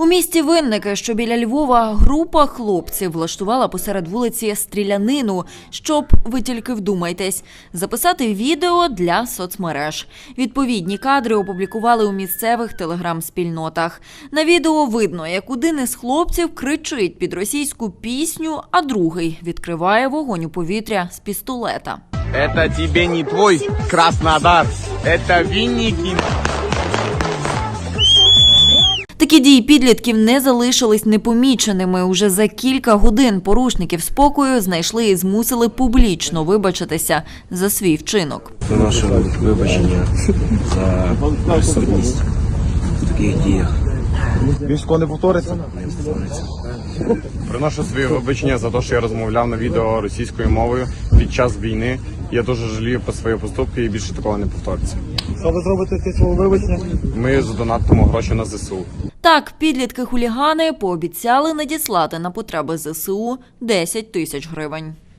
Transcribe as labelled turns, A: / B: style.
A: У місті Винники, що біля Львова, група хлопців влаштувала посеред вулиці стрілянину, щоб, ви тільки вдумайтесь, записати відео для соцмереж. Відповідні кадри опублікували у місцевих телеграм-спільнотах. На відео видно, як один із хлопців кричить під російську пісню, а другий відкриває вогонь у повітря з пістолета.
B: Это тебе не твой Краснодар, это Винники.
A: Такі дії підлітків не залишились непоміченими. Уже за кілька годин порушників спокою знайшли і змусили публічно вибачитися за свій вчинок.
C: Наше вибачення за присутність в таких діях.
B: Військо не повториться?
C: Не повториться.
B: Приношу свої вибачення за те, що я розмовляв на відео російською мовою під час війни. Я дуже жалію про свої поступки і більше такого не повториться.
D: Що ви зробите з цього вибачення?
B: Ми задонатимо гроші на ЗСУ.
A: Так, підлітки-хулігани пообіцяли надіслати на потреби ЗСУ 10 тисяч гривень.